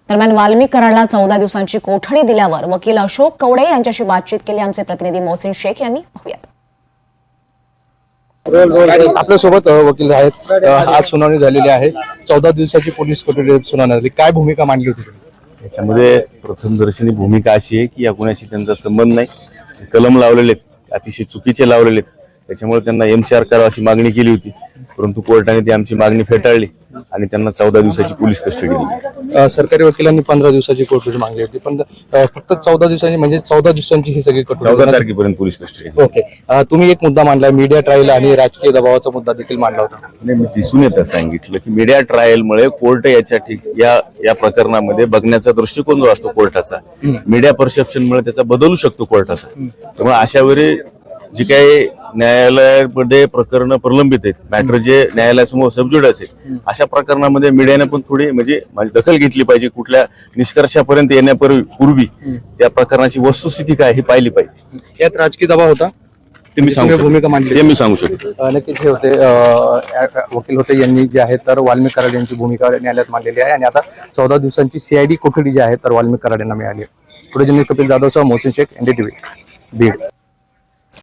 दरम्यान वाल्मिक कराडला 14 दिवसांची कोठडी दिल्यावर वकील अशोक कवडे यांच्याशी बातचीत केली आमचे प्रतिनिधी मोहसिन शेख यांनी. पाहूयात. आपल्या सोबत वकील आहेत. आज सुनावणी झालेली आहे. 14 दिवसाची पोलीस कोठडी सुनावणी झाली. काय भूमिका मांडली होती? याच्यामध्ये प्रथमदर्शनी भूमिका अशी आहे की या गुन्ह्याशी त्यांचा संबंध नाही, कलम लावलेले आहेत, अतिशय चुकीचे लावलेले आहेत. त्याच्यामुळे त्यांना एमसीआर करावं अशी मागणी केली होती, परंतु कोर्टाने ती आमची मागणी फेटाळली आणि त्यांना 14 दिवसाची पोलीस कस्टडी दिली. सरकारी वकिलांनी 15 दिवसाची कोठडी मागली होती, पण फक्त 14 दिवसांची म्हणजे 14 दिवसांची ही सगळी कोठडी 14 तारखेपर्यंत पोलीस कस्टडी. ओके. तुम्ही एक मुद्दा मांडला, मीडिया ट्रायल आणि राजकीय दबावाचा मुद्दा देखील मांडला होता. मी दिसून येतं सांगितलं की मीडिया ट्रायलमुळे कोर्ट या प्रकरणामध्ये बघण्याचा दृष्टिकोन जो असतो कोर्टाचा, मीडिया परसेप्शनमुळे त्याचा बदलू शकतो कोर्टाचा. त्यामुळे अशा वेळी जी काही न्यायालयामध्ये प्रकरण प्रलंबित आहेत, मॅटर जे न्यायालयासमोर सबज्युड असेल, अशा प्रकरणामध्ये मीडियाने पण थोडी म्हणजे दखल घेतली पाहिजे. कुठल्या निष्कर्षापर्यंत येण्यापूर्वी त्या प्रकरणाची वस्तुस्थिती काय हे पाहिली पाहिजे. यात राजकीय दबाव होता ते मी सांगू शकतो. भूमिका मांडली ते मी सांगू शकतो. नक्कीच हे होते वकील होते यांनी जे आहे तर वाल्मिक कराड यांची भूमिका न्यायालयात मांडलेली आहे आणि आता 14 दिवसांची CID कोठडी जी आहे तर वाल्मिक कराड यांना मिळाली आहे. पुढे कपिल जाधवसह मोहसिन शेख, NDTV, बीड.